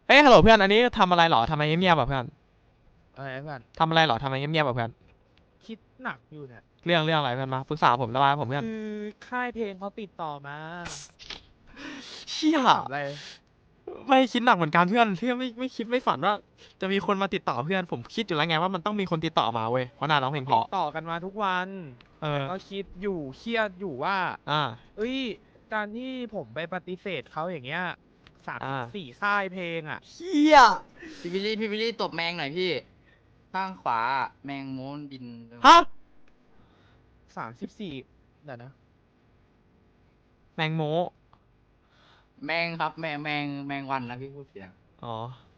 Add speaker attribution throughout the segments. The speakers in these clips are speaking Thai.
Speaker 1: เฮ้ยฮัลโหลเพื่อนอันนี้ทำอะไรหรอทำไมเงียบๆแบบเพื่อน
Speaker 2: อะไรเพื่อน
Speaker 1: ทำอะไรหรอทำไมเงียบๆแบบเพื่อน
Speaker 2: คิดหนักอยู่เนี่ย
Speaker 1: เรื่องอะไรเพื่อนมาปรึกษาผมระบายผมเพื่อน
Speaker 2: คือค่ายเพลงเขาติดต่อมา
Speaker 1: เชี่ย
Speaker 2: ถามอะไร
Speaker 1: ไม่คิดหนักเหมือนกันเพื่อนเพื่อนไม่คิดไม่ฝันว่าจะมีคนมาติดต่อเพื่อนผมคิดอยู่แล้วไงว่ามันต้องมีคนติดต่อมาเว้ยเพราะนายร้องเพลงเพ
Speaker 2: ติด
Speaker 1: ราะ
Speaker 2: ต่อกันมาทุกวัน
Speaker 1: เออ
Speaker 2: ก็คิดอยู่เครียดอยู่ว่า
Speaker 1: อ่า
Speaker 2: เอ้ยการที่ผมไปปฏิเสธเขาอย่างเงี้ย34ค่ายเพลงอ่ะ
Speaker 1: เชี่ย
Speaker 3: พี่วิลลี่ตบแมงหน่อยพี่ข้างขวาแมงม้วนบิน
Speaker 1: ฮะ
Speaker 2: 34เดี๋ยวนะ
Speaker 1: แมงโม
Speaker 3: แมงครับแมงวันนะพี่พูดเสียง
Speaker 1: อ๋อ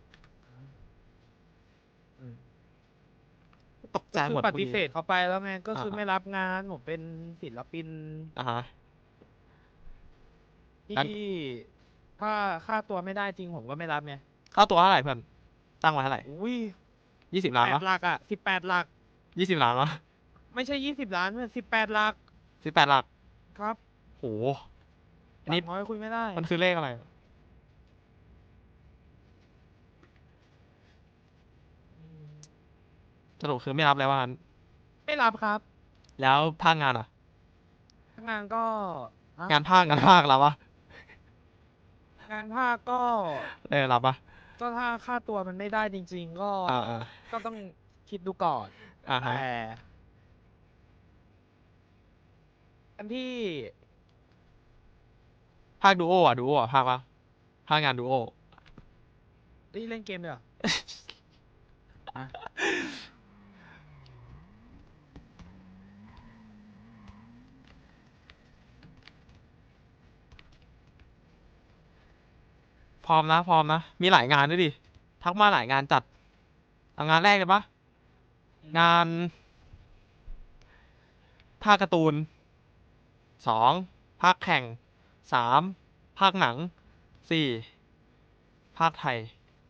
Speaker 2: อืม
Speaker 1: ตกใจ
Speaker 2: ก็คือ
Speaker 1: หมดพอดี
Speaker 2: ปฏิเสธเขาไปแล้วไงก็
Speaker 1: อ่า
Speaker 2: คือไม่รับงานผมเป็นศิลปิน
Speaker 1: อ่าฮะ
Speaker 2: ที่
Speaker 1: งั้น
Speaker 2: ถ้าค่าตัวไม่ได้จริงผมก็ไม่รับไง
Speaker 1: ค่าตัวเท่าไหร่เพื่อนตั้งไว้เท่าไหร่
Speaker 2: อุ้ย
Speaker 1: 20 ล้านปะ
Speaker 2: 8 หลักอ่ะ18 หลัก
Speaker 1: 20 ล้านปะ
Speaker 2: ไม่ใช่20 ล้านมัน18 หลัก
Speaker 1: 18 หลัก
Speaker 2: ครับ
Speaker 1: โหอันนี้
Speaker 2: หลักน้อยคุยไม่ได้
Speaker 1: มันคือเลขอะไรสรุปคือไม่รับแล้วว่างั้น
Speaker 2: ไม่รับครับ
Speaker 1: แล้วภาคงานอ่ะ
Speaker 2: งานก็ฮะ
Speaker 1: งานภาครับปะ
Speaker 2: งานภาคก็
Speaker 1: รับปะ
Speaker 2: ถ้าค่าตัวมันไม่ได้จริงๆก็
Speaker 1: อ่า
Speaker 2: ก็ต้องคิดดูก่อน
Speaker 1: ฮะ
Speaker 2: แต่อันที่
Speaker 1: ภาคดูโออ่ะภาคปะภาคงานดูโอ
Speaker 2: ที่เล่นเกมเนี่ย
Speaker 3: อ่ะ
Speaker 1: พร้อมนะมีหลายงานด้วยดิทักมาหลายงานจัดเอางานแรกเลยปะงานภาคการ์ตูน2ภาคแข่ง3ภาคหนัง4ภาคไทย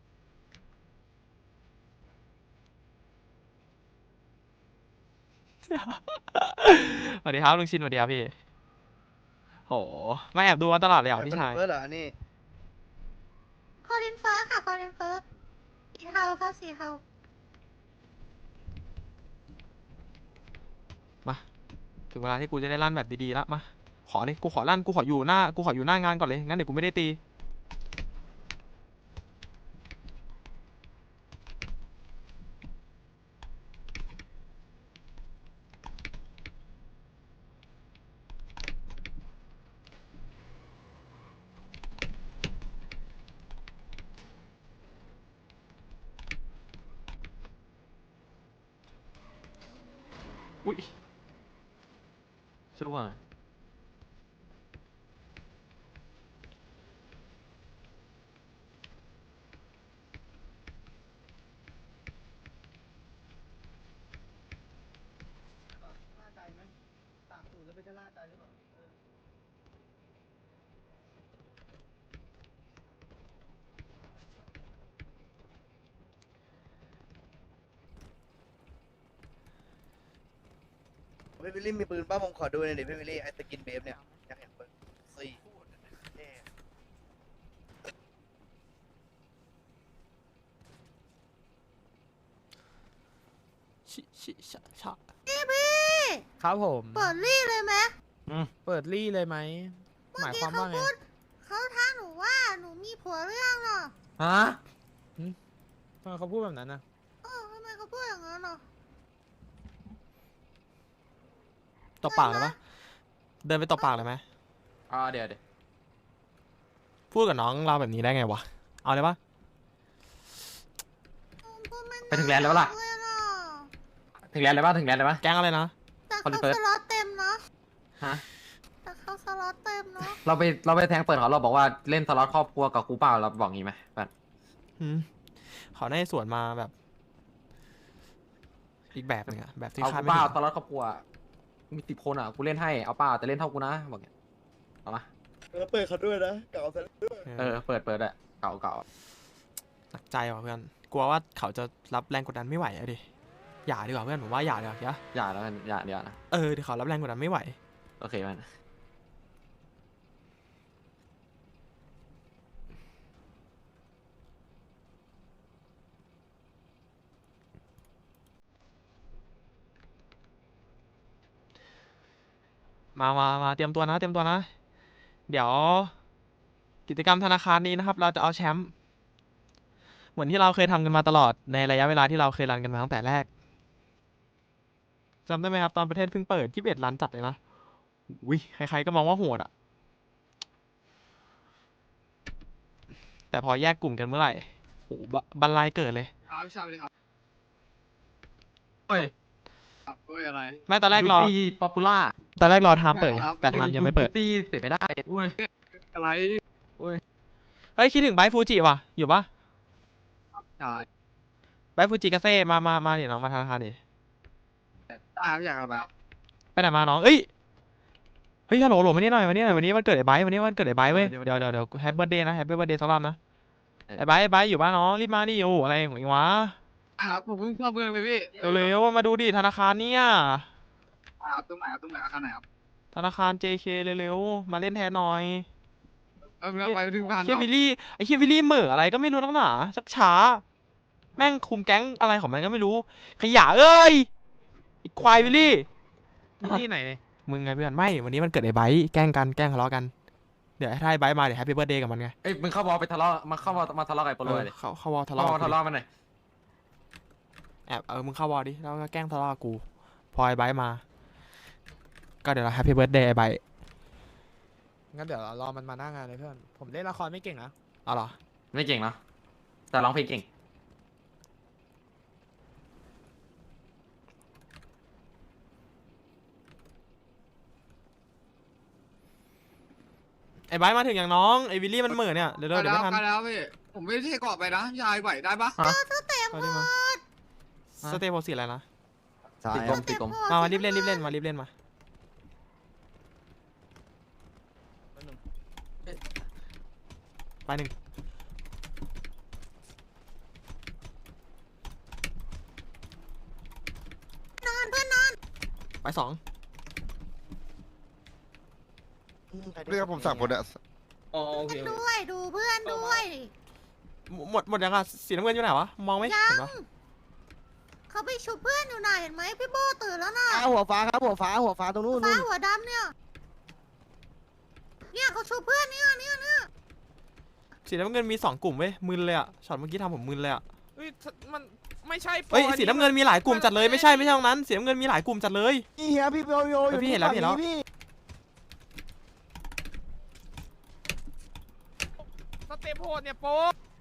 Speaker 1: สวัสดีครับลุงชินสวัสดีครับพี่โหไม่แอบดูมาตลอดเลยเหรอพี่
Speaker 4: เป็น
Speaker 1: ชาย
Speaker 4: เฟิร์สเหรอนี่
Speaker 5: คอลินเฟิร์สค่ะคอลินเฟิร์สสีเทาค่ะสีเทา
Speaker 1: มาถึงเวลาที่กูจะได้ลั่นแบบดีๆแล้วมาขอดิกูขอลั่นกูขออยู่หน้างานก่อนเลยงั้นเดี๋ยวกูไม่ได้ตีอุ้ยช่วย
Speaker 4: ล่าใจไหมตากสูตรแล้วไปจะล่าใจหรือเปล่าพี่วิลลี่มีปืนป้าผมขอดูหน่อยดิพี่วิลลี่ไอ้สกินเบฟเนี่ยอยากเห็นปืนสี่เท่
Speaker 1: ชิชะ
Speaker 5: พี่พี่
Speaker 2: ครับผม
Speaker 5: เปิดรี่เลยไหม
Speaker 2: เปิดรี่เลยไหมห
Speaker 5: เมื่อ
Speaker 2: มายค
Speaker 5: กี้
Speaker 2: วาม
Speaker 5: เขา
Speaker 2: ว่าไง
Speaker 5: พูดเขาท้าหนูว่าหนูมีผัวเรื่องเหรอ
Speaker 3: ฮะ
Speaker 2: ทำไมเขาพูดแบบนั้นนะ
Speaker 5: ทำไมเขาพูดอย่างนั้นเหรอ
Speaker 1: ตบปากเลยปะเดินไปตบปากเลยไหม
Speaker 3: เดี๋ยว
Speaker 1: พูดกับน้องเราแบบนี้ได้ไงวะเอาเลยปะ
Speaker 5: พูดม่
Speaker 3: ไปถึงแลนด์แล้วปะล่ะ
Speaker 5: เลยเหรอ
Speaker 3: ถึงแลนด์แล้วปะถึงแลนด์แล้วปะ
Speaker 1: แก๊งอะไรนะ
Speaker 5: แต่
Speaker 3: คอน
Speaker 5: เขา
Speaker 3: เฟิร์
Speaker 5: ส
Speaker 3: ส
Speaker 5: ล็อตเต็มเนาะ
Speaker 3: ฮะ
Speaker 5: แต่เขาสล็อตเต็มเนาะ
Speaker 3: เราไปแทงเปิดเขาเราบอกว่าเล่นสล็อตครอบครัวกับกูเปล่าเราบอกงี้ไหมเพื่อน
Speaker 1: อืมเขาได้สวนมาแบบ อีกแบบหนึงอะแบบที่
Speaker 3: เอา
Speaker 1: คาด
Speaker 3: กู
Speaker 1: ไม่
Speaker 3: เปล่า
Speaker 1: ถึง
Speaker 3: สล็อตครอบครัวมี10 คนอ่ะกูเล่นให้เอาเปล่าแต่เล่นเท่ากูนะบอกเงี้ยเอามา
Speaker 4: เปิดเขาด้วยนะเก่าเสร็จ
Speaker 3: เปิดอะเก่า
Speaker 1: หนักใจว่ะเพื่อนกลัวว่าเขาจะรับแรงกดดันไม่ไหวอะดิอย่าดีกว่าเพื่อนผมว่าอย่าดีกว่าอย่า
Speaker 3: อย่าแล้วกันอย่าเดี๋ยวนะ
Speaker 1: เดี๋ยวเขารับแรงกดดันไม่ไหว
Speaker 3: โอเคมัน
Speaker 1: มาเตรียมตัวนะเตรียมตัวนะ เดี๋ยว กิจกรรมธนาคารนี้นะครับ เราจะเอาแชมป์เหมือนที่เราเคยทำกันมาตลอดในระยะเวลาที่เราเคยรันกันมาตั้งแต่แรกจำได้ไหมครับ ตอนประเทศเพิ่งเปิด21 ล้านจัดเลยนะวิใครๆก็มองว่าโหดอะแต่พอแยกกลุ่มกันเมื่อไหร่โอ้บันไลเกิดเลย
Speaker 6: ครับพี่ชายเลยครับ
Speaker 3: เฮ้ย
Speaker 6: ครับเฮ้ยอะไร
Speaker 1: ไม่ตอนแรกรอ
Speaker 3: ป๊อปปูล่า
Speaker 1: ตอนแรกรอไทม์เปิดไง
Speaker 6: ครับ
Speaker 1: แต่ไทม์ยังไม่เปิด
Speaker 3: ตีเสร็จไม่ได้อุ้ย
Speaker 6: อะไร
Speaker 1: เฮ้ยคิดถึงไบฟูจิว่ะอยู่ปะ
Speaker 6: ใช่
Speaker 1: ไบฟูจิกาเซ่มาเดี๋ยวน้องมาธนาคารดิ
Speaker 6: ได้ครับอยากอะไร
Speaker 1: ไปไหนมาน้องเอ้ยเฮ้ยฮัลโหลมานี่หน่อยวันนี้วันเกิดไอ้ไบร์ทวันนี้วันเกิดไอ้ไบร์ทเว้ยเดี๋ยวแฮปปี้เบิร์ดเดย์นะแฮปปี้เบิร์ดเดย์สักรอบนะไอ้ไบร์ทอยู่บ้านน้องรีบมาดิโอ้อะไรของเองวะ
Speaker 6: ครับผมเพิ่งเข้าเมืองเลยพี่
Speaker 1: เร็วๆมาดูดิธนาคารเนี่ย
Speaker 6: ครับตรงไหนครับตรงไหนอาคารไหนครับ
Speaker 1: ธนาคาร JK เร็วๆมาเล่นแทนหน่อย
Speaker 6: ไปถึงพัน
Speaker 1: เฮียวิลลี่ไอ้เฮียวิลลี่เหม่ออะไรก็ไม่รู้นักหนาชักช้าแม่งคุมแก๊งอะไรของมันก็ไม่รู้ขยะเอ้ยไอ้ควายวิลลี่
Speaker 2: ที่ไหนเนี่ย
Speaker 1: มึงไงเพื่อนไม่วันนี้มันเกิดไอ้ไบร์ทแกล้งทะเลาะกันเดี๋ยวถ้าไอ้ไบร์ทมาเดี๋ยวแฮปปี้เบิร์ดเดย์กับมันไง
Speaker 3: เอ้ยมึงเข้าวอลไปทะเลาะมาเข้าวอลมาทะเลาะกับไอ้โปโลเลย
Speaker 1: เขาวอลทะ
Speaker 3: เข้าวอล
Speaker 1: เลาะ
Speaker 3: ทะเลาะมันหน่อย
Speaker 1: แอบมึงเข้าวอลดิแล้วก็แกล้งทะเลาะกับกูพอไอ้ไบร์ทมาก็เดี๋ยวเราแฮปปี้เบิร์ดเดย์ไอ้ไบร์ท
Speaker 2: งั้นเดี๋ยวรอมันมาหน้างานเลยเพื่อน ผมเล่นละครไม่เก่งนะ
Speaker 1: เอาเหรอ
Speaker 3: ไม่เก่งเนาะแต่ร้องเพลงเก่ง
Speaker 1: ไอ้ไบร์ทมาถึงอย่างน้องไอ้วิลลี่มันเหม่อเนี่ยเดี๋ยว
Speaker 6: ไป
Speaker 1: เดี๋ยว
Speaker 6: แล้ว
Speaker 1: ไม่ทัน
Speaker 6: ไปแล้วพี่ผมไม่ได้เกาะไปนะพี่ชายไหวได้ปะ
Speaker 1: เอาดิมาสเตปโพสีอะไรนะ
Speaker 3: ตีกลมตีกลม
Speaker 1: มารีบเล่นมารีบเล่นมาไปหนึ่งไปสอง
Speaker 7: เรียกผมสั่งคนอะ
Speaker 3: อ๋อโอเค
Speaker 5: ด้วยดูเพื่อนด้วย
Speaker 1: หมดยังอ่ะสีน้ำเงินอยู่ไหนวะมองไม่เห็นปะ
Speaker 5: เขาไปชุบเพื่อนอยู่น่ะเห็นไหมพี่โบตื่นแล้วน่ะ
Speaker 4: หัวฟ้าครับหัวฟ้าตรงนู้น
Speaker 5: ฟ้าหัวดำเนี่ยเขาชุบเพื่อนเนี่ย
Speaker 1: สีน้ำเงินมีสองกลุ่มเว้ยมึนเลยอ่ะช็อตเมื่อกี้ทำผมมึนเลยอ่ะ
Speaker 2: เฮ้ยมันไม่ใช่โปร
Speaker 1: เฮ้ย
Speaker 2: อั
Speaker 1: สีน้ำเงินมีหลายกลุ่มจัดเลยไม่ใช่ตรงนั้นสีน้ำเงินมีหลายกลุ่มจัดเลย
Speaker 4: นี่เฮียพี่โยโย
Speaker 1: เฮ้ยพี่เห็นแล้วพี่เห็นแล้ว
Speaker 4: พี่
Speaker 2: สเตปโหดเนี่ยโปร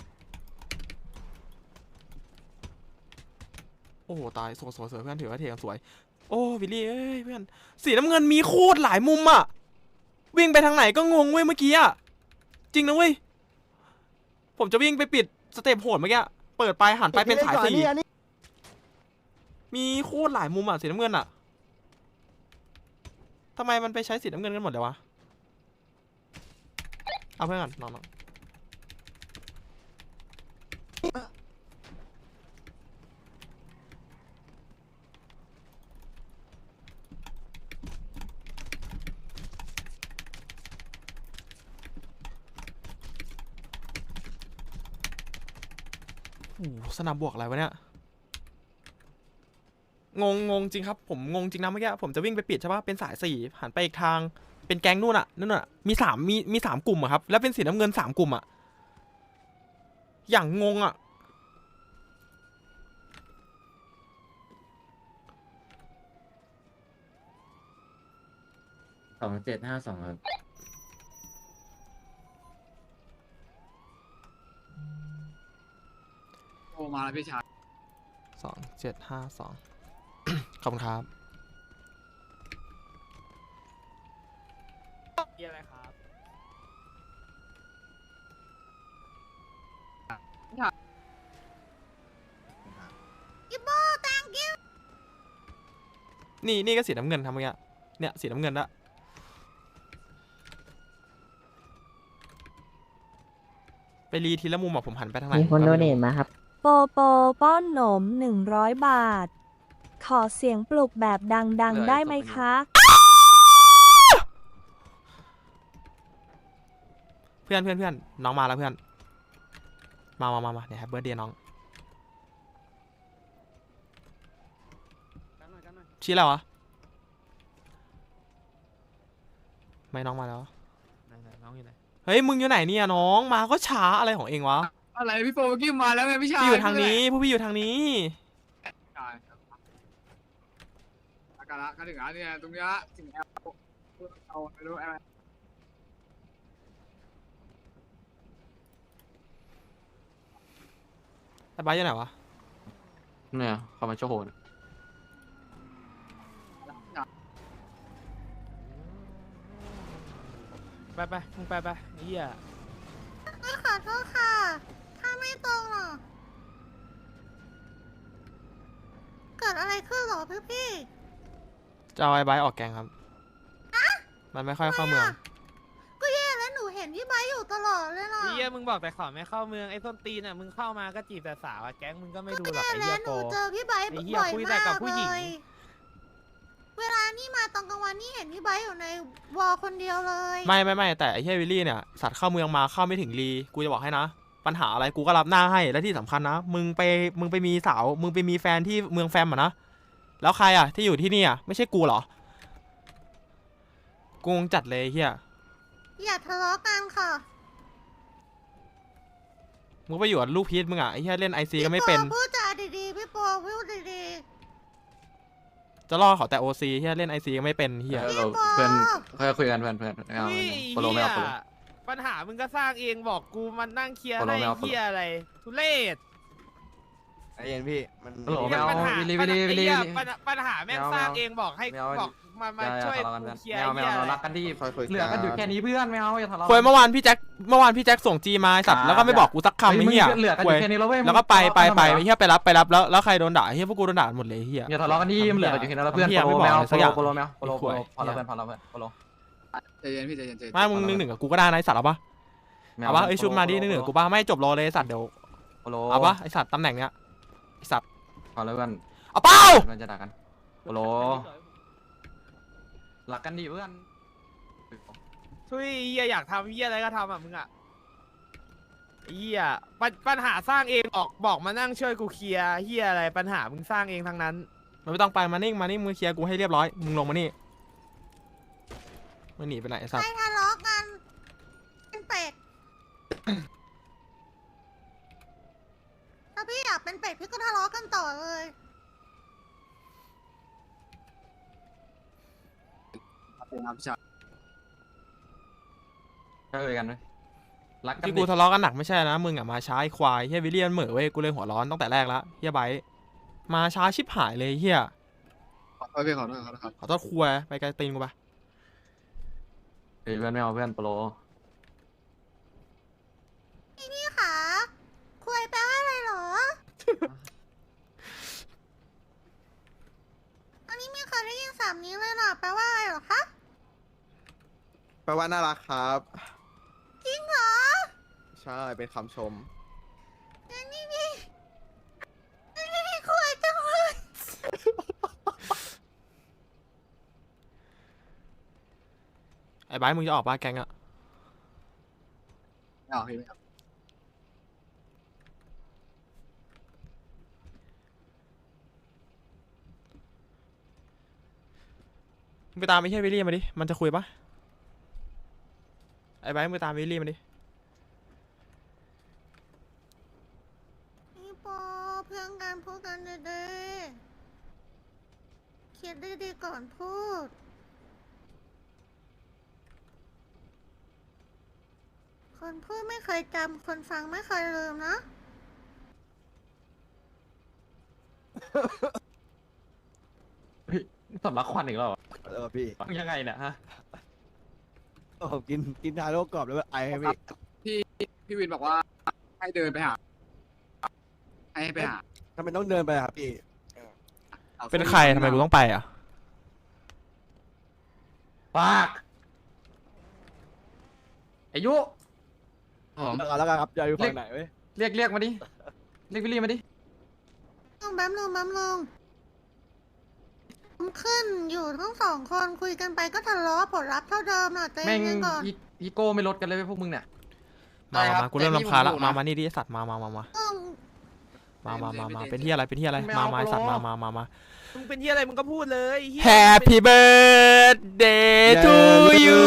Speaker 1: โอ้โหตายสวยเพื่อนถือว่าเทกันสวยโอ้วิลลี่เอ้ยเพื่อนสีน้ำเงินมีโคตรหลายมุมอ่ะวิ่งไปทางไหนก็งงเว้ยเมื่อกี้อ่ะจริงนะเว้ยผมจะวิ่งไปปิดสเต็ปโหดเมื่อกี้เปิดไปหันไปเป็นสายสี่มีโคตรหลายมุมอ่ะสีน้ำเงินอ่ะทำไมมันไปใช้สีน้ำเงินกันหมดเลยวะเอาเพื่อนก่อนน้องโอ้โหสนามบวกอะไรวะเนี่ยงงจริงครับผมงงจริงนะเมื่อกี้ผมจะวิ่งไปปิดใช่ปะเป็นสายสี่หันไปอีกทางเป็นแก๊งนู่นน่ะมีสามกลุ่มอะครับแล้วเป็นสีน้ำเงินสามกลุ่มอะอย่างงงอะ
Speaker 3: 2752ครับ
Speaker 6: โอ้มาแล้วพี่ชาย
Speaker 1: 2752 ขอบคุณครับ
Speaker 2: เหี้ยอะไรครับ
Speaker 5: พี่โบตังกิ้ว
Speaker 1: นี่ก็สีน้ำเงินทำเมื่อกี้เนี่ยสีน้ำเงินละไปรีทีละมุมอะผมหันไปทางไหน
Speaker 8: มีคนโดเน
Speaker 1: ก็
Speaker 8: ท
Speaker 1: ไรู้
Speaker 8: มาครับ
Speaker 9: โปโปป้อนหนม100 บาท ขอเสียงปลุกแบบดังๆได้ไหมคะ
Speaker 1: เพื่อนน้องมาแล้วเพื่อนมาเดี๋ยวแฮปปี้เบิร์ดเดย์น้องชี้อะไรวะไม่น้องมาแล้ว
Speaker 2: ไหนๆน้องอยู่ไหน
Speaker 1: เฮ้ยมึงอยู่ไหนเนี่ยน้องมาก็ช้าอะไรของเองวะ
Speaker 6: อะไรพี่โฟเมื่อกี้มาแล้วไงพี่ชาย
Speaker 1: พี่อยู่ทางนี้พวกพี่อยู่ทางนี้
Speaker 6: ใช่ครับอากาศละก็ถึงแล้วเนี่ยตรงเนี้ยถึงแล้วเอาไม่รู้อะไร
Speaker 1: ไอ้บ้าสอยู่ไหนวะ
Speaker 3: เนี่ยเขามาโชว์โหน
Speaker 2: ไปมึงไปเฮีย
Speaker 5: ขอโทษค่ะ ถ้าไม่ตรงหรอ เกิดอะไรขึ้นหรอพี่
Speaker 1: จะเอาไอ้บ้าสออกแกงครับมันไม่ค่อยเข้าเมือง
Speaker 5: ก็แย่แล้วหนูเห็นพี่ไบร์ทอยู่ตลอดเลยน่ะ
Speaker 2: เฮียมึงบอกแต่ขอไม่เข้าเมืองไอ้ส้นตีนอ่ะมึงเข้ามาก็จีบแต่สาวอะแก๊งมึงก็ไม่ดูหรอก
Speaker 5: แย่
Speaker 2: ไอ้เฮี
Speaker 5: แล้
Speaker 2: ยว
Speaker 5: ห
Speaker 2: โป
Speaker 5: นูเจอพี่ไบร์ท
Speaker 2: ไอ้เหี้ย
Speaker 5: บ่อย
Speaker 2: คุยแต่
Speaker 5: มาก
Speaker 2: กับผู้หญิง
Speaker 5: เลย เวลานี่มาตอนกลางวันนี่เห็นพี่ไบร์ทอยู่ในวอลคนเดียวเลย
Speaker 1: ไม่แต่ไอ้เฮียวิลลี่เนี่ยสัตว์เข้าเมืองมาเข้าไม่ถึงรีกูจะบอกให้นะ ปัญหาอะไรกูก็รับหน้าให้และที่สำคัญนะมึงไปมีสาวมึงไปมีแฟนที่เมืองแฟมอะนะแล้วใครอะที่อยู่ที่นี่อะไม่ใช่กูเหรอกูงงจัดเลยไอ้เฮีย
Speaker 5: อย่าทะเลาะกันค่ะ
Speaker 1: มึงไปอยู่กับลูกพีชมึงอะไอ้เฮียเล่นไอซีก็ไม่เป็น
Speaker 5: พี่ปอพูดจาดีๆพี่ปอพูดดี
Speaker 1: จะล่อเขาแต่โอซีเฮียเล่นไอซีก็ไม่เป็นเฮีย
Speaker 5: ๆพี่ปอ
Speaker 3: เพื่อนค่อยคุยกันเพื่อนไม่เอา
Speaker 2: เฮ้ย
Speaker 3: โปโลไม่เอาโปโล
Speaker 2: ปัญหามึงก็สร้างเองบอกกูมันนั่งเคลียร์
Speaker 3: โปโล
Speaker 2: ให้
Speaker 3: ไม่เอา
Speaker 2: เฮียอะไรทุเรศ
Speaker 4: ไอ้เย็นพี่มัน
Speaker 3: โอ้โห
Speaker 2: เหี้ย
Speaker 3: ไม่เอา
Speaker 2: ปัญหา
Speaker 3: วิลลี่
Speaker 2: ปัญหา
Speaker 3: วิลลี่
Speaker 2: ไอ้เหี้ย
Speaker 3: วิลลี่
Speaker 2: ปัญหาแม่ง
Speaker 3: ไม่เอา
Speaker 2: สร้าง
Speaker 3: ไม่เอา
Speaker 2: เองบอกให้
Speaker 3: ไม่เอา
Speaker 2: บอกมา
Speaker 3: อย่า
Speaker 2: ช่วย
Speaker 3: ทะเลาะกัน
Speaker 2: กู
Speaker 3: เพื่อน
Speaker 2: เคลียร์
Speaker 3: ไม่เอา
Speaker 2: ไอ้เหี้ย
Speaker 3: เรา
Speaker 2: อะไร
Speaker 3: รักกันที่
Speaker 4: ค่อยคุย
Speaker 3: เหลือกันอยู่แค่นี้เพื่อนไม่เอาอย่าทะเลาะ
Speaker 1: คุยเมื่อวานพี่แจ็คส่งจีมาไอ้สัตว์แล้วก็ไม่บอกกูสักคำไอ้เฮีย
Speaker 3: เหลือกันอ
Speaker 1: คุย
Speaker 3: ยู่แค่นี้แล้วเว้ย
Speaker 1: แล้วก็ไป
Speaker 3: มึง
Speaker 1: ไอ้เฮียไปรับแล้วใครโดนด่าไอ้เฮียพวกกูโดนด่าหมดเลยไอ้เฮีย
Speaker 3: อย่าทะเลาะกันที่มันเหลือกันอยู่แค่นั้นแล้วเพื่อน
Speaker 1: เหี้ย
Speaker 3: โปโล
Speaker 1: ไม่บอก
Speaker 3: ไม่เอา
Speaker 1: อะไรสักอย่าง
Speaker 3: โปโลไม่เอาโปโล
Speaker 1: ไอ้ขวย
Speaker 3: พอแล้วเพื่อนพอแล้วเพื่อนโปโล
Speaker 6: ใจเย็นพี่ใจเย็นใจเย็น
Speaker 1: ไม่มึงนึกหนึ่งกับกูก็ได้นะไอ้สัตว์เอาปะเอาปะไอ้ชุดมาดินึกหนึ่งกับกูปะไม่จบรอเลยไอ้สัตว์เดี๋ยว
Speaker 3: โปโล
Speaker 1: เอาปะไอ้สัตว์ตำแหน่งเนี้ยไอ้สัตว์
Speaker 3: พอแล้วเพื่อน
Speaker 1: เอาเป้า
Speaker 3: เพื่อนจะด่ากันโปโลรักกันดีเพื่อน
Speaker 2: ช่วยเฮียอยากทำเฮียอะไรก็ทำอ่ะมึงอ่ะเฮียปัญหาสร้างเองบอกมานั่งช่วยกูเคลียร์เฮียอะไรปัญหามึงสร้างเองทั้งนั้น
Speaker 1: มันไม่ต้องไปมานิ่งมึงเคลียร์กูให้เรียบร้อยมึงลงมานี่มึงหนีไปไหนไอ้สัต
Speaker 5: ใคร
Speaker 1: ว์
Speaker 5: ทะเลาะกันเป็นเป็ด ถ้าพี่อยากเป็นเป็ดพี่ก็ทะเลาะกันต่อเลย
Speaker 6: ครับพี่ชาย
Speaker 3: ก็คุยกันเลยรักกัน
Speaker 1: ที่
Speaker 3: ดิ
Speaker 1: กูทะเลาะกันหนักไม่ใช่นะมึงอะมาช้าไอ้ควายเฮียวิลเลียนเหม่อเว้ยกูเลยหัวร้อนตั้งแต่แรกแล้วเฮียไบร์ทมาช้าชิบหายเลยเฮีย
Speaker 6: ขอโทษพี่ขอโทษครับ
Speaker 1: ขอโทษครัวไปไกลตีนกูปะ
Speaker 3: เฮ้ยเพื่อนไม่เอาเพื่อนโปโล
Speaker 5: พี่ขาคุยแปลว่าอะไรเหรอ อันนี้ไม่เคยได้ยินสามนี้เลยนะแปลว่าอะไรเหรอคะ
Speaker 4: แปลว่าน่ารักครับ
Speaker 5: จริงเหรอ
Speaker 4: ใช่เป็นคำชม
Speaker 5: อันนี้พี่คุยจังเลย
Speaker 1: ไอ้ไบร์ทมึงจะออกปะแกงอะ
Speaker 6: ไม่เอาพี่ไม่เอา
Speaker 1: มึงไปตามไอ้เฮียวิลเลียนมาดิมันจะคุยปะไอ้ไบร์ทมึงไปตามวิลเลียนมาดิ
Speaker 5: พี่ปอเพื่อนกันพูดกันดีๆคิดดีๆก่อนพูด คนพูดไม่เคยจำ คนฟังไม่เคยลืมนะ
Speaker 3: เฮ้ยสำลักควันอีกแล้วเหรอ
Speaker 4: พี่
Speaker 3: มึงยังไงเนี่ยฮะ
Speaker 4: ผมกินทาโร่กรอบแล้วไอให้พี่
Speaker 6: พี่วินบอกว่าให้เดินไปหาให้ไปหา
Speaker 4: ทำไมต้องเดินไปครับพี่
Speaker 1: เป็นใครทำไมกูต้องไปอะ
Speaker 3: ปากอายุ
Speaker 4: เอาแล้วกันครับจะอยู่ฝั่งไหนเว้ย
Speaker 3: เรียกมาดิเรียกวิลลี่มาดิ
Speaker 5: แป๊บนึงผมขึ้นอยู่ทั้งสองคนคุยกันไปก็ทะเลาะผลลัพธ์เท่าเดิมน่ะใจ
Speaker 3: แม่ง
Speaker 5: เย็นๆก่อน
Speaker 3: อีโก้ไม่ลดกันเลยเว้ยพวกมึงเนี่ย
Speaker 1: มากูเริ่มรำคาญละมานี่ดิไอ้สัตว์มา
Speaker 5: อืม
Speaker 1: มาเป็นที่อะไรเป็นที่อะไรมาไอ้สัตว์มา
Speaker 2: มึงเป็นเฮียอะไรมึงก็พูดเลยเหี้ย
Speaker 1: Happy birthday to you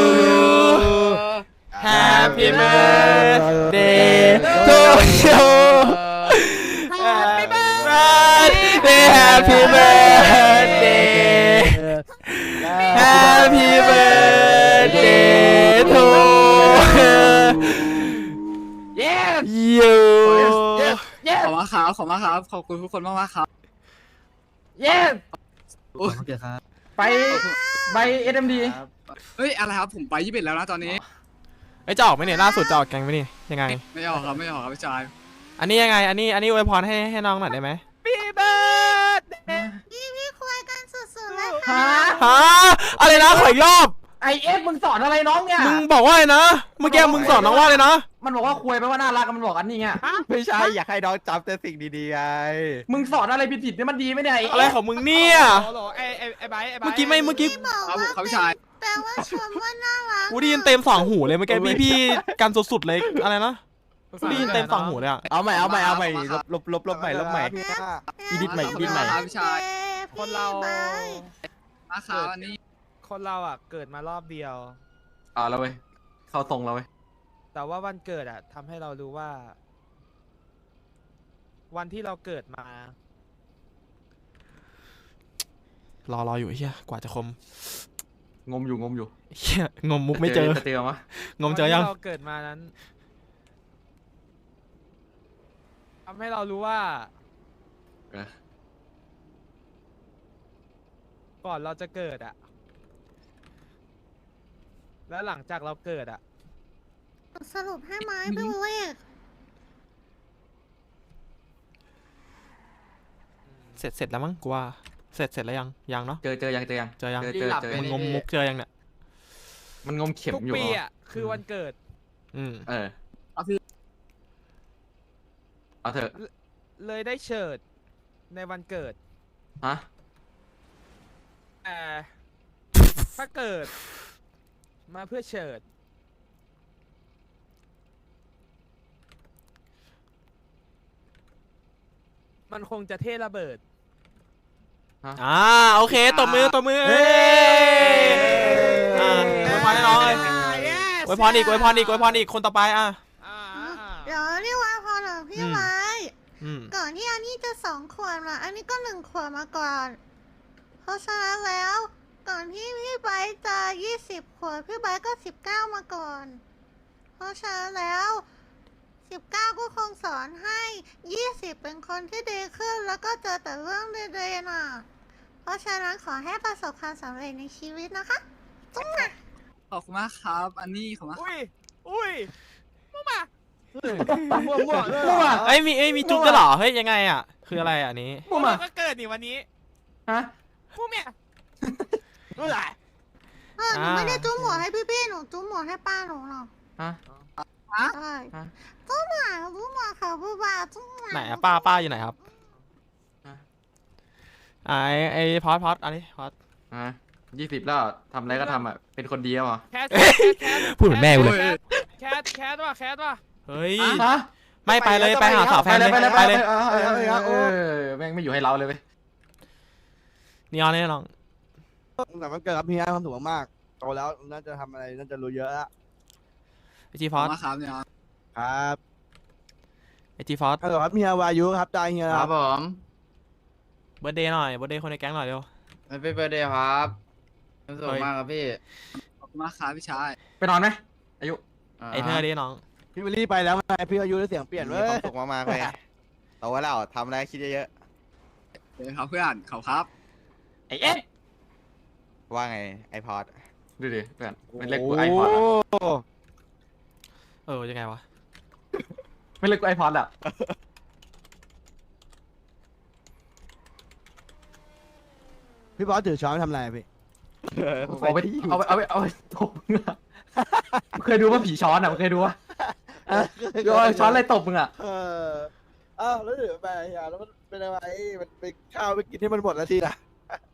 Speaker 1: Happy birthday to you Happy birthday Happy birthday Happy birthday to you
Speaker 6: ขอบคุณครับขอบคุณครับขอบคุณทุกคนมากๆครับ
Speaker 3: เย้ ไปใบ SMD
Speaker 6: เฮ้ยอะไรครับผมไป21แล้วนะตอนนี้
Speaker 1: ไอ้จะออกไหมเนี่ยล่าสุดจะออกแกงไหมนี่ยังไง
Speaker 6: ไม่ออกครับพี่ชาย
Speaker 1: อันนี้ยังไงอันนี้อวยพรให้น้องหน่อยได้ไหม
Speaker 2: ปีเบิร์ด
Speaker 5: พี่คุยกันสุดๆเลย
Speaker 3: ฮะ
Speaker 5: ค่ะ
Speaker 1: ฮะอะไรนะขออีกรอบ
Speaker 3: ไอเอสมึงสอนอะไรน้องเนี่ย
Speaker 1: มึงบอกว่าอะไรนะเมื่อกี้มึงสอนน้องว่าเลยนะ
Speaker 3: มันบอกว่าคุยไปว่าน่ารักมันบอกอันนี้ไง
Speaker 7: ไม่ใช่อยากให้น้องจำแต่สิ่งดีๆไง
Speaker 3: มึงสอนอะไรผิดๆเนี่ยมันดีไหมเนี่ย
Speaker 1: อะไรของมึงเนี่ย
Speaker 2: โหลไอ้ไบร์ท
Speaker 1: เมื่อกี้ไม่เมื่อกี้
Speaker 5: พี่บอก
Speaker 6: ครับ
Speaker 5: ว่า
Speaker 6: ครับพี่ชาย
Speaker 5: แปลว่าชมว่าน่ารัก
Speaker 1: กูได้ยินเต็มสองหูเลยเมื่อกี้พี่กันสุดๆเลยอะไรนะกูได้ยินเต็มสองหูเลยอะ
Speaker 7: เอาใหม่ลบใหม่อีดิทใหม่
Speaker 6: ครับพี่ชาย
Speaker 2: คนเรา
Speaker 6: มาครับอันนี้
Speaker 2: คนเราอ่ะเกิดมารอบเดียว
Speaker 3: เอาแล้วเว้ยเข้าทรงแล้วเว้ย
Speaker 2: แต่ว่าวันเกิดอ่ะทำให้เรารู้ว่า วันที่เราเกิดมา
Speaker 1: รออยู่เฮียกว่าจะคม
Speaker 3: งมอยู่
Speaker 1: เฮียงมมุกไม่เจอ
Speaker 3: เจอมั้ย
Speaker 1: งมเจอยัง
Speaker 2: วันที่เราเกิดมานั้นทำให้เรารู้ว่า ก่อนเราจะเกิดอ่ะ แล้วหลังจากเราเกิดอ่ะ
Speaker 5: สรุปให้ไหมพี่วิลลี่
Speaker 1: เสร็จแล้วมั้งกูว่าเสร็จแล้วยังเนาะ
Speaker 3: เจอยัง
Speaker 1: เจอยัง
Speaker 3: เจอ
Speaker 1: มึงงมมุกเจอยังเนี่ย
Speaker 3: มันงมเข็ม
Speaker 2: ทุก
Speaker 3: อยู่
Speaker 2: ปีอ่ะคือวันเกิด
Speaker 3: เอาเถอะ
Speaker 2: เลยได้เฉิดในวันเกิด
Speaker 3: ฮะ
Speaker 2: แต่ถ้าเกิด มาเพื่อเฉิด มันคงจะเท่ระเบิด
Speaker 1: โอเคตบมือเอ้ยอวยพรให้น้องเลยอวยพรอีกคนต่อไป
Speaker 5: เดี๋ยวเรียกว่าพอเหรอพี่ไว้ ก่อนที่อันนี้จะ2 ขวบอ่ะอันนี้ก็1 ขวบมาก่อน เพราะฉะนั้นแล้ว ก่อนที่พี่ไบร์ทจะ20 ขวบพี่ไบร์ทก็19มาก่อน เพราะฉะนั้นแล้ว19ก็คงสอนให้20เป็นคนที่ดีขึ้นแล้วก็เจอแต่เรื่องดีๆน่ะ เพราะฉะนั้นขอให้ประสบความสำเร็จในชีวิตนะคะจุ๊บนะ
Speaker 6: ขอบคุณมากครับอันนี้ขอบคุณมาก
Speaker 2: อุ้ยมั่วมามั่ว
Speaker 1: เอ้ยมีจุ๊บด้วยเหรอเฮ้ยยังไงอ่ะคืออะไรอันนี้
Speaker 2: มั่วก็เกิดนี่วันนี้
Speaker 3: ฮะ
Speaker 2: มั่วเมียรู้ไร
Speaker 5: หนูไม่ได้จุ๊บหัวให้พี่ๆหนูจุ๊บหัวให้ป้าหนูหรอก
Speaker 3: ฮะ
Speaker 5: ใช่จุ๊บหัวค่ะผู้บ่าวจุ๊บหัว
Speaker 1: ไหนอะป้าอยู่ไหนครับไอ้พอดอันนี้พอด
Speaker 3: 20แล้วทำอะไรก็ทำอ่ะเป็นคนดีอ่ะ
Speaker 2: แคท
Speaker 1: พูดเหมือนแม่กูเลย
Speaker 2: แคทว่ะ
Speaker 1: เฮ้ย
Speaker 3: ฮะ
Speaker 1: ไม่ไปเลยไปหาสาวแฟนเลยไปเลย
Speaker 3: แม่งไม่อยู่ให้เราเลยเว้ย
Speaker 1: นีออนนี่น้อง
Speaker 4: แต่มันเกิดกับพี่ความสุขมากๆโตแล้วน่าจะทำอะไรน่าจะรู้เยอะแล้ว
Speaker 1: ไอจี
Speaker 6: ข
Speaker 1: พ
Speaker 6: อ
Speaker 1: อบ ด
Speaker 6: คุณมากครับเนี่ย
Speaker 4: ครับ
Speaker 1: ไอจีพอด
Speaker 4: ฮัลโหลครับเฮียวายุครับได้เฮีย
Speaker 3: ค
Speaker 4: ค
Speaker 3: รั
Speaker 4: รั
Speaker 3: บบ ผม
Speaker 1: เบิร์ดเดย์หน่อยเบิร์ดเดย์คนในแก๊งหน่อยเร็ว
Speaker 3: ไม่เป็นเบอร์เดย์ครับสนุกมากครับพี่
Speaker 6: ขอบคุณมากครับพี่ชาย
Speaker 3: ไปนอนไหมอายุ
Speaker 1: ไอเธอดิน้อง
Speaker 4: พี่วิลลี่ไปแล้วไงพี่อายุได้เสียงเปลี่ยน
Speaker 7: มี
Speaker 4: เว้
Speaker 7: ควาย มสุขมากๆเลยโตแล้วทำอะไรคิดเยอะ
Speaker 6: เดี๋ยวครับเพื่อนขอบครับ
Speaker 3: ไอเอ็ด
Speaker 7: ๆว่าไงไอพอด
Speaker 3: ดูดิเพื่อนไม่เล็กกูไอพอด
Speaker 1: ยังไงวะ
Speaker 3: ไม่เล็กกูไอพอดอ่ะ
Speaker 4: พี่บอสถือช้อนทำอะไรพี่
Speaker 3: เอาไปตบมึงอ่ะเคยดูว่าผีช้อนอ่ะเคยดูว่าช้อนอะไรตบมึงอ่ะ
Speaker 4: อ้าวแล้วเดี๋ยวไปเฮียแล้วมันเป็นอะไรมันไปข้าวไปกินให้มันหมดแล้วทีนะ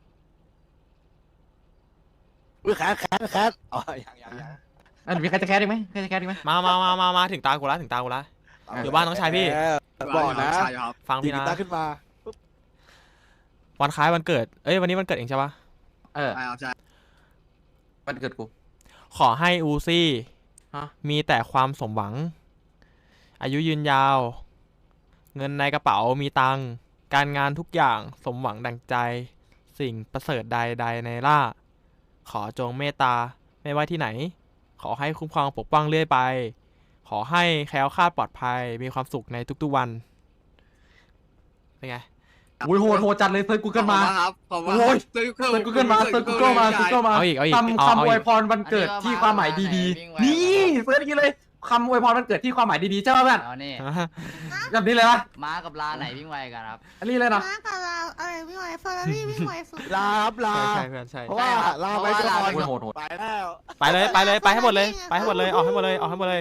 Speaker 4: อุ้ยแคทอ๋อยัง
Speaker 3: มีใครจะแคสอีกไหมใครจะแคสอีกไหม
Speaker 1: มาถึงตากูละอยู่บ้านน้องชายพี่
Speaker 7: บอกนะ
Speaker 6: ใช่ครับ
Speaker 1: ฟัง
Speaker 7: ดี
Speaker 1: พี่
Speaker 7: กี
Speaker 1: นะ
Speaker 7: ตาร์ขึ้นมา
Speaker 1: วันคล้ายวันเกิดเอ้ยวันนี้วันเกิดเองใช่ปะ
Speaker 3: เออ
Speaker 6: ใช่ครับใช่
Speaker 3: วันเกิดกู
Speaker 1: ขอให้อูซี่
Speaker 3: ฮะ
Speaker 1: มีแต่ความสมหวัง อายุยืนยาว เงินในกระเป๋ามีตังค์การงานทุกอย่างสมหวังดังใจ สิ่งประเสริฐใดๆในล่า ขอจงเมตตาไม่ว่าที่ไหน ขอให้คุ้มครองปกป้องเรื่อยไป ขอให้แคล้วคลาดปลอดภัยมีความสุขในทุกๆวันเป็นไง
Speaker 3: โอ้ยโหดจัดเลยเซิร์ชกูเกิลมา
Speaker 6: ครับขอบคุณ
Speaker 3: โอ้ย
Speaker 6: เซิร์ช
Speaker 3: เซิร์ชกูเกิลมาเซิร์ชกูเกิลมาเซิร์ชกูเกิลมา
Speaker 1: เอาอีกเอาอีก
Speaker 3: คำ
Speaker 1: เอา
Speaker 3: คำอ
Speaker 1: อี
Speaker 3: วย
Speaker 1: ก
Speaker 3: พรวันเกิดที่ความหมายดีๆ นี่เซิร์ชอย่างนี้เลยคำอวยพรวันเกิดที่ความหมายดีๆใช่ป่ะเพื่อน
Speaker 8: เอานี่
Speaker 3: แบบนี้เลยปะ
Speaker 8: ม้ากับลาไหนวิ่งไวกันครับ
Speaker 3: อันนี้เลยนะ
Speaker 5: ม้ากับเราอะไรวิ่งไวเฟอร์รารี่วิ่งไวสุด
Speaker 7: ลาครับลา
Speaker 1: ใช่เพื่อนใช่
Speaker 7: เพราะว่าลาไปก่อน
Speaker 3: โหด
Speaker 7: ไปแล้ว
Speaker 1: ไปเลยไปเลยไปให้หมดเลยไปให้หมดเลยออกให้หมดเลยออกให้หมดเลย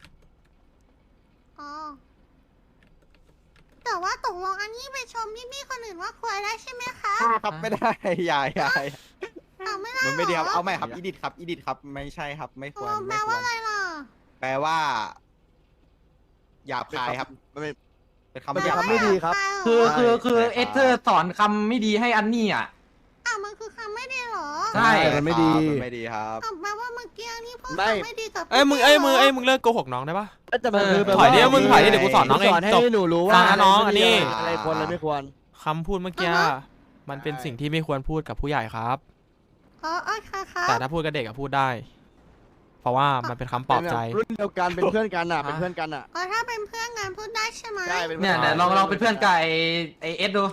Speaker 5: อ๋อแต่ว่าตกลงอันนี้ไปชมพี่ๆคนอื่นว่าควรได้ใช่ไหมคะ
Speaker 7: ครับไม่ได้อย่า
Speaker 5: เอาไม่ได้
Speaker 7: มันไม่ดีครับ
Speaker 5: หร
Speaker 7: เอาใหม่ครับอีดิทครับอีดิทครับไม่ใช่ครับไม่ควร
Speaker 5: แปล
Speaker 7: ไม่คว
Speaker 5: ว่าร อะไรล่ะ
Speaker 7: แปลว่าหยาบคายครับเป็นคำ
Speaker 5: แปล
Speaker 7: หยาบ
Speaker 5: ว่า
Speaker 7: ไม่ดีครับ
Speaker 3: คือเอสเธอร์สอนคำไม่ดีให้อันนี่อ่ะ
Speaker 5: อ่ะมันคือคำไม่ดีเหรอ
Speaker 3: ใช่
Speaker 7: มันไม่ดีมันไม่ดีครับ
Speaker 5: อ่ะแปลว่าเมื่อกี้นี่พูด
Speaker 7: ไม่
Speaker 5: คำไม่ดีกับ
Speaker 1: เอ้ยมึงเอ้ยมึงเอ้ยมึงเลิกโกหกน้องได้ปะ
Speaker 7: แต่มันคือ
Speaker 1: ถอยดิมึงถอยดิเดี๋ยวกูสอนน้องเอง
Speaker 7: สอนให้
Speaker 1: จบ
Speaker 7: หนูรู้
Speaker 1: ฟั
Speaker 7: ว่าง
Speaker 1: นะน้องอันนี้
Speaker 7: อะไรควรอะไรไม่ควร
Speaker 1: คำพูดเมื่อกี้มันเป็นสิ่งที่ไม่ควรพูดกับผู้ใหญ่ครับ
Speaker 5: อ๋อค่ะค่ะ
Speaker 1: แต่ถ้าพูดกับเด็กอะพูดได้ เพราะว่ามันเป็นคำปลอบใจ
Speaker 7: รุ่นเดียวกันเป็นเพื่อนกันอ่ะเป็นเพื่อนกันอ่ะ
Speaker 5: อ๋อถ้าเป็นเพื่อนกันพูดได้ใช่ไหม
Speaker 7: ใช่เป็น
Speaker 3: เนี่ยลองเป็นเพื่อนกับไอเอสดู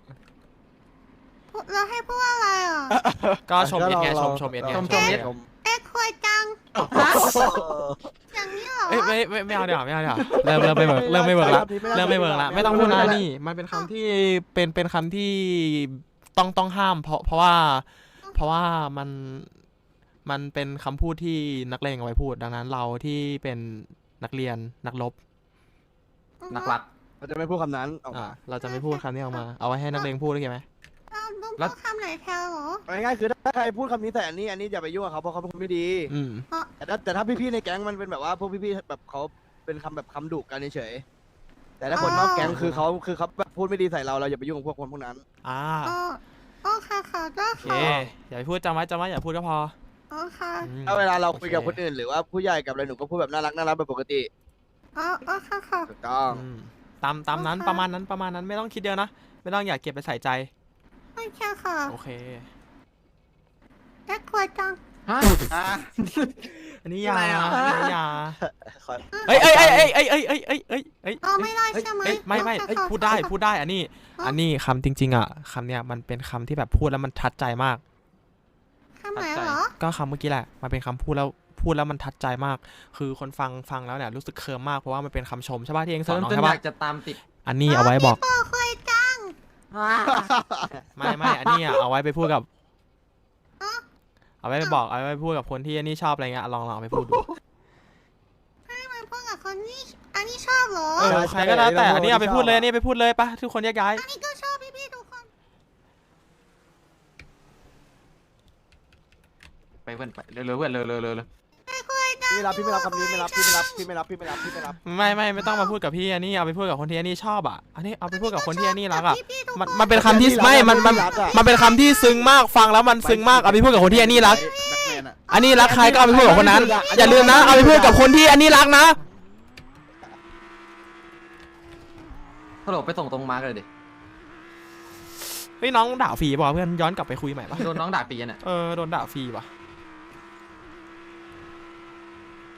Speaker 5: เราให้พูดอะไรอ่ะ
Speaker 1: ก็ชมเอ็ดไงชมเอ็ดไง
Speaker 3: ชมเอ็ด
Speaker 5: เอ็กควายจัง อย่างนี้เหรอ
Speaker 1: เอ้ยไม่เอาเดี๋ยวไม่เอาเดี๋ยวเริ่มไม่เวิร์กเริ่มไม่เวิร์กละเริ่มไม่เวิร์กละไม่ต้องพูดนะนี่ มันเป็นคำที่เป็นคำที่ต้องห้าม เพราะว่ามันเป็นคำพูดที่นักเลงเอาไว้พูด ดังนั้นเราที่เป็นนักเรียนนักรบ
Speaker 3: นักรัก
Speaker 7: เราจะไม่พูดคำนั้นออกมา
Speaker 1: เราจะไม่พูดคำนี้ออกมา เอาไว้ให้นักเลงพูดโอเคไหม
Speaker 5: เราต้องพูดคำไหนแทนเหรอ
Speaker 7: ง่ายๆคือถ้าใครพูดคำนี้แต่อันนี้อย่าไปยุ่งกับเขาเพราะเขาเป็นคนไม่ดี
Speaker 1: อืม
Speaker 7: แต่ถ้าพี่ๆในแก๊งมันเป็นแบบว่าพวกพี่ๆแบบเขาเป็นคำแบบคำดุกันเฉยๆแต่ถ้าคนนอกแก๊งคือเขาแบบพูดไม่ดีใส่เราอย่าไปยุ่งกับพวกคนพวกนั้น
Speaker 1: อ่า
Speaker 5: โอ้ค่ะค่ะก็
Speaker 1: โอเค
Speaker 5: ค่ะ
Speaker 1: อย่าไปพูดจำไว้อย่าพูดก็พอ
Speaker 5: อ๋อค่ะ
Speaker 1: อืม
Speaker 7: ถ้าเวลาเราคุยกับ
Speaker 1: โอ
Speaker 7: คนอื่นหรือว่าผู้ใหญ่กับอะไรหนูก็พูดแบบน่ารักแบบปกติ
Speaker 5: อ๋อค่ะค่ะ
Speaker 7: ถูกต้อง
Speaker 1: อืมตามนั้น
Speaker 5: โอเค
Speaker 1: ประมาณนั้นไม่ต้องคิดเยอะนะ ไม่ต้องอยากเก็บไปใส่ใจ
Speaker 5: โอเคค่ะ
Speaker 1: โอเค
Speaker 5: เอ็กควายจัง
Speaker 3: ฮะ
Speaker 1: อันนี้ยา
Speaker 6: อะไรอ่ะ
Speaker 1: อันนี้ยา
Speaker 7: ขอ
Speaker 1: เอ้ย
Speaker 5: อ๋อไม่ได้ใช่ไหม
Speaker 1: เอ้ยไม่
Speaker 5: ค่ะค่ะ
Speaker 1: พูดได้อันนี้คำจริงๆอ่ะคำเนี้ยมันเป็นคำที่แบบพูดแล้วมันทัดใจมาก
Speaker 5: คำไหนเหรอ
Speaker 1: ก็คำเมื่อกี้แหละมันเป็นคำพูดแล้วมันทัดใจมาก คือคนฟังแล้วเนี่ยรู้สึกเคิร์มมากเพราะว่ามันเป็นคำชมใช่ป่ะที่เองสอนน้อง
Speaker 3: จน
Speaker 1: ใช่
Speaker 3: อ
Speaker 1: ป่ะ
Speaker 3: ยากจะตามติด
Speaker 1: อันนี้เอาไว้บอก
Speaker 5: โอ้ควายจัง
Speaker 1: ไม่อันนี้อะเอาไว้ไปพูดกับ
Speaker 5: อ๋อ
Speaker 1: เอาไว้ไปบอกเอาไว้ไปพูดกับคนที่อันนี้ชอบอะไรเงี้ยลองเอาไปพูดดู
Speaker 5: ให้มันพูดกับคนนี้อันนี้ชอบเหรอ
Speaker 1: ใครก็ได้แต่อันนี้เอาไปพูดเลยอันนี้ไปพูดเลยปะทุกคนแยกย้าย
Speaker 5: อันนี้ก็ชอบพี่ๆทุกคน
Speaker 3: ไปเพื่อนไปเร็วเพื่อนเร็ว
Speaker 5: ไอ้ควายจัง
Speaker 7: พี่ไม่รับคำนี้ไม่รับพี่ไม่รับ
Speaker 1: ไม่ต้องมาพูดกับพี่อันนี้เอาไปพูดกับคนที่อันนี้ชอบอ่ะอันนี้เอาไปพูดกับคนที่อันนี้รักอ่ะ
Speaker 5: พี่ๆทุก
Speaker 1: มันเป็นคำที่ไม่มันเป็นคำที่ซึ้งมากฟังแล้วมันซึ้งมากเอาไปพูดกับคนที่อันนี้รัก อันนี้รักใครก็เอาไปพูดกับคนนั้น อย่าลืมนะเอาไปพูดกับคนที่อันนี้รักนะ
Speaker 3: ฮัลโหลไปส่งตรงมาร์กเลยดิ
Speaker 1: เฮ้ยน้องด่าฟรีป่ะเพื่อนย้อนกลับไปคุยใหม่ป่ะ
Speaker 3: โดนน้องด่าปีน่ะ
Speaker 1: โดนด่าฟรีป่ะ